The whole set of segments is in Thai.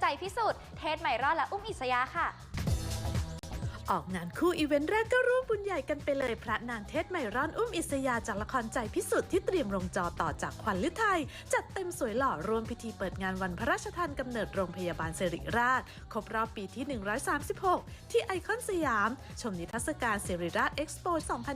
พิสุทธิ์เทศใหม่รอดและอุ้มอิสยาค่ะออกงานคู่อีเวนต์แรกก็ร่วมบุญใหญ่กันไปเลยพระนางเทศใหม่ร่อนอุ้มอิสยาจากละครใจพิสุทธิ์ที่เตรียมลงจอต่อจากขวัญฤทัยจัดเต็มสวยหล่อรวมพิธีเปิดงานวันพระราชทานกำเนิดโรงพยาบาลสิริราชครบรอบปีที่ 136 ที่ไอคอนสยามชมนิทรรศการสิริราชเอ็กซ์โป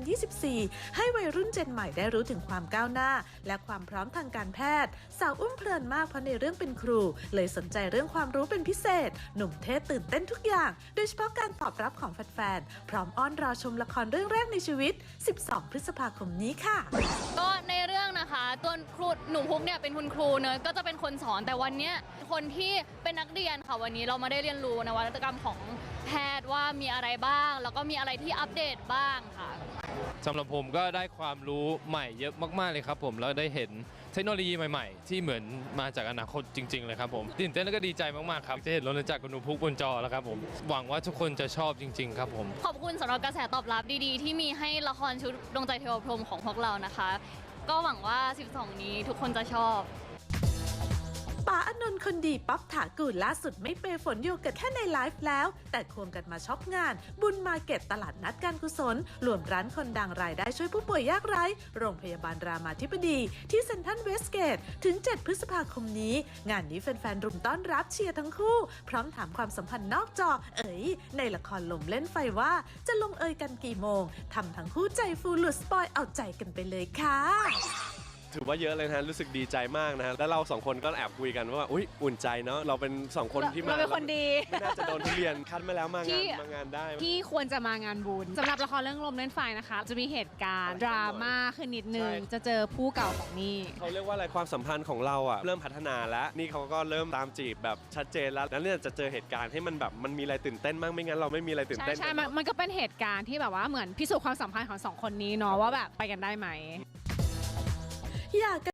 2024 ให้วัยรุ่นเจนใหม่ได้รู้ถึงความก้าวหน้าและความพร้อมทางการแพทย์สาวอุ้มเพลินมากเพราะในเรื่องเป็นครูเลยสนใจเรื่องความรู้เป็นพิเศษหนุ่มเทศตื่นเต้นทุกอย่างโดยเฉพาะการตอบรับของแฟนๆพร้อมอ้อนรอชมละครเรื่องแรกในชีวิต 12 พฤษภาคมนี้ค่ะก็ในเรื่องนะคะตัวครูหนูพุกเนี่ยเป็นคุณครูเนอะก็จะเป็นคนสอนแต่วันนี้คนที่เป็นนักเรียนค่ะวันนี้เรามาได้เรียนรู้นวัตกรรมของแพทย์ว่ามีอะไรบ้างแล้วก็มีอะไรที่อัปเดตบ้างค่ะสำหรับผมก็ได้ความรู้ใหม่เยอะมากๆเลยครับผมแล้วได้เห็นเทคโนโลยีใหม่ๆที่เหมือนมาจากอนาคตจริงๆเลยครับผมตื่นเต้นแล้วก็ดีใจมากๆครับจะเห็นรถจักรกับหนูพุกบนจอแล้วครับผมหวังว่าทุกคนจะชอบจริงๆครับผมขอบคุณสำหรับกระแสตอบรับดีๆที่มีให้ละครชุดดวงใจเทวพรหมของพวกเรานะคะก็หวังว่า 12 นี้ทุกคนจะชอบป๋าอานนท์คนดีป๊อปถากูลล่าสุดไม่เปย์ฝนโยเกิร์ตแค่ในไลฟ์แล้วแต่ควงกันมาช็อปงานบุญมาร์เก็ตตลาดนัดการกุศลรวมร้านคนดังรายได้ช่วยผู้ป่วยยากไร้โรงพยาบาลรามาธิบดีที่เซ็นทรัลเวสเกตถึง 7 พฤษภาคมนี้งานนี้แฟนๆรุมต้อนรับเชียร์ทั้งคู่พร้อมถามความสัมพันธ์นอกจอในละครลมเล่นไฟว่าจะลงเอยกันกี่โมงทำทั้งคู่ใจฟูหลุดสปอยเอาใจกันไปเลยค่ะถือว่าเยอะเลยนะรู้สึกดีใจมากนะฮะแล้วเราสองคนก็แอบคุยกันว่าอุ๊ยอุ่นใจเนาะเราเป็น2 คนที่มาเราเป็นคนดีไม่น่าจะโดนทุเรียนคัดมาแล้วมางานได้ที่ควรจะมางานบุญสำหรับละครเรื่องลมเล่นไฟนะคะจะมีเหตุการณ์ดราม่าขึ้นนิดนึงจะเจอผู้เก่าของนี่เขาเรียกว่าอะไรความสัมพันธ์ของเราอ่ะเริ่มพัฒนาแล้วนี่เขาก็เริ่มตามจีบแบบชัดเจนแล้วแล้วเนี่ยจะเจอเหตุการณ์ให้มันแบบมันมีอะไรตื่นเต้นบ้างไม่งั้นเราไม่มีอะไรตื่นเต้นใช่มันก็เป็นเหตุการณ์ที่แบบว่าเหมือนพิสูจน์ความสัมพันธ์ของ2 คนนี้เนาะว่าแบบไปกันได้ไหมอยาก